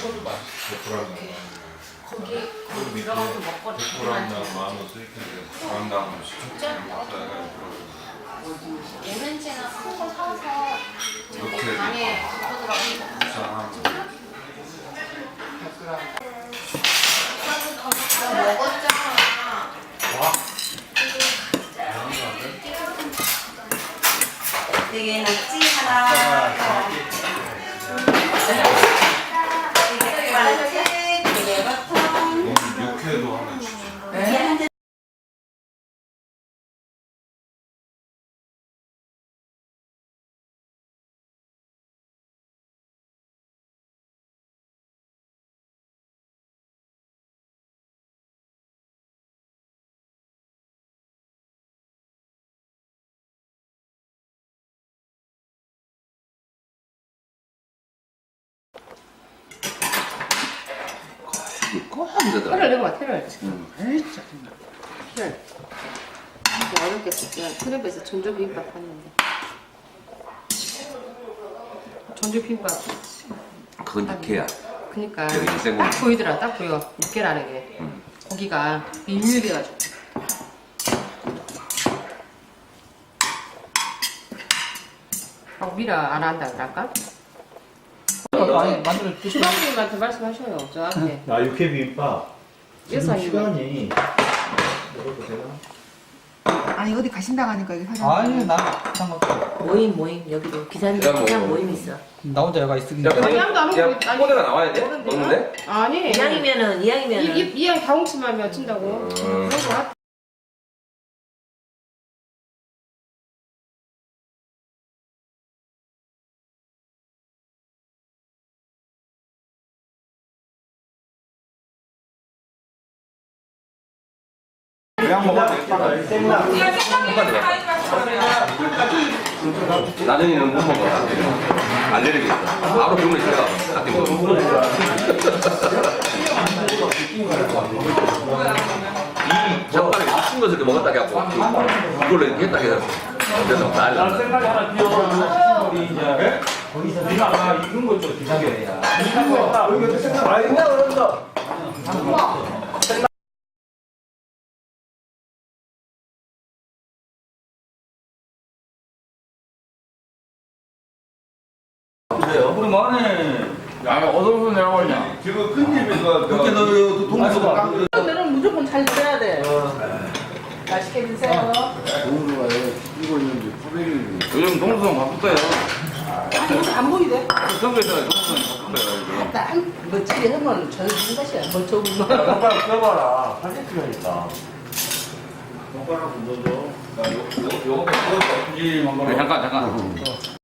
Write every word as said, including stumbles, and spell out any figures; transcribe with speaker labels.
Speaker 1: 식어도 맛있어.
Speaker 2: 불안나.
Speaker 3: 거기 거기 들어가서 먹거리
Speaker 2: 불안나 마음을 쓰이는데 불안나
Speaker 3: 진짜? 오렌지나 큰 거 사서 저기
Speaker 2: 이렇게
Speaker 3: 방에 덮어두라고.
Speaker 2: 불쌍한.
Speaker 3: 나 먹었잖아.
Speaker 4: 되게 낙지 하나. 되게 낙지, 되게 버터.
Speaker 2: 육회도 하나 주죠.
Speaker 4: 네.
Speaker 5: 꼭
Speaker 6: 틀을 내고 와, 틀을.
Speaker 5: 응.
Speaker 6: 진짜. 틀을. 이거 어렵겠어. 그냥 틀에서 전주 비빔밥 하는데. 전주 비빔밥.
Speaker 5: 그건 육회야.
Speaker 6: 그니까.
Speaker 5: 여기 인생고기.
Speaker 6: 딱 보이더라, 딱 보여. 육개라는 게.
Speaker 5: 응.
Speaker 6: 고기가 밀밀해가지고. 아, 미라 안 한다 그럴까?
Speaker 1: 많이 만들어 드시고.
Speaker 6: 수방님한테 말씀하셔요, 저한테.
Speaker 1: 아, 육회 비빔밥. 지금
Speaker 6: 예산이
Speaker 1: 시간이 먹어도 되나?
Speaker 7: 아니 어디 가신다고 하니까 여기 사장.
Speaker 1: 아니, 난 상관없어.
Speaker 3: 모임 모임 여기도 기사님
Speaker 5: 그냥
Speaker 3: 그냥
Speaker 5: 뭐-
Speaker 3: 모임 있어.
Speaker 1: 나 혼자 여가 있으니까.
Speaker 6: 아니, 아무도 안
Speaker 5: 그냥
Speaker 6: 먹고 아니,
Speaker 5: 코드가 나와야 돼?
Speaker 6: 먹는데요?
Speaker 5: 먹는데?
Speaker 6: 아니.
Speaker 3: 이왕이면은 이왕이면은
Speaker 6: 이, 이, 이왕 다홍치만 친다고.
Speaker 5: 음.
Speaker 6: 그런 거 같아.
Speaker 1: 그냥 먹어도 되겠다.
Speaker 5: 나중에는 못 먹어. 알레르기 있어. 바로 병원에 찾아가. 딱 먹어. 이 젓갈에 미친 것을 이렇게 먹었다 해갖고 이걸로 이렇게 했다 해서 그래서 난리
Speaker 1: 생각이 하나 비어. 우리 이제 거기서 누나가 이런 것도 기사겨야. 이거 생각 안 했나 그런다. 우리 만에 야 어디서 내려가냐?
Speaker 2: 지금 큰 집에서
Speaker 1: 그렇게 너 동네가
Speaker 7: 오늘은 무조건 잘 드셔야 돼. 맛있게 드세요.
Speaker 1: 요즘 동수성 바쁠 거예요.
Speaker 7: 안 보이대.
Speaker 1: 선거에서 동수성 바쁠 거예요.
Speaker 7: 난 멋지게 하면 저는 무슨 것이야. 멀쩡한 거.
Speaker 1: 손가락 껴봐라. 팔 필요하니까. 손가락 묻어줘. 요, 요, 요거 펴서 푸짐한 거.
Speaker 5: 잠깐 잠깐